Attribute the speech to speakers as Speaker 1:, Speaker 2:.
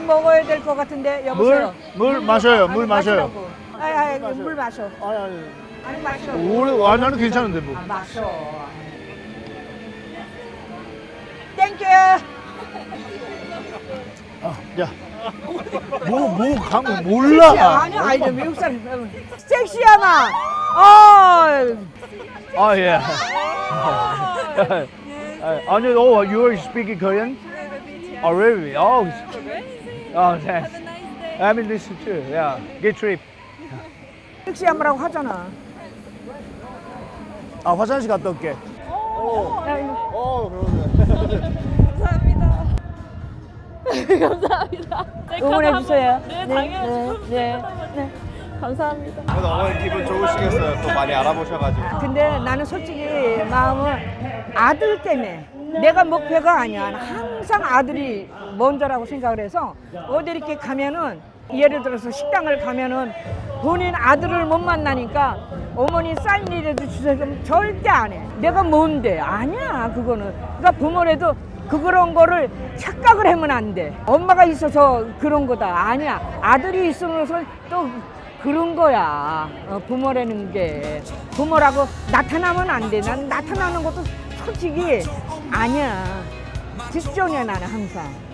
Speaker 1: 먹어야 될 것 같은데 여보세요.
Speaker 2: 물 마셔요. 물 마셔요.
Speaker 1: 물 마셔. 아니 마셔.
Speaker 2: 나는 괜찮은데 뭐.
Speaker 1: 마셔. 땡큐.
Speaker 2: 야. 몰라.
Speaker 1: 아니 미국 사람. 섹시하마.
Speaker 2: 예. 아니, you are speaking Korean? Oh, really? Thanks. I mean, this too. Yeah. Good trip.
Speaker 1: 섹시하마라고 하잖아.
Speaker 2: 화장실 갔다 올게.
Speaker 3: 감사합니다. 감사합니다.
Speaker 1: 응원해 주세요.
Speaker 3: 네, 당연히.
Speaker 1: 네.
Speaker 3: 감사합니다.
Speaker 4: 그래도 어머니 기분 좋으시겠어요. 또 많이 알아보셔가지고.
Speaker 1: 근데 나는 솔직히 마음은 아들 때문에 내가 목표가 아니야. 항상 아들이 먼저라고 생각을 해서 어디 이렇게 가면은 예를 들어서 식당을 가면은 본인 아들을 못 만나니까 어머니 사인이라도 주세요. 그럼 절대 안 해. 내가 뭔데? 아니야 그거는. 그러니까 부모라도 그런 거를 착각을 하면 안 돼. 엄마가 있어서 그런 거다. 아니야. 아들이 있으면서 또 그런 거야. 부모라는 게. 부모라고 나타나면 안 돼. 난 나타나는 것도 솔직히 아니야. 직종이야 나는 항상.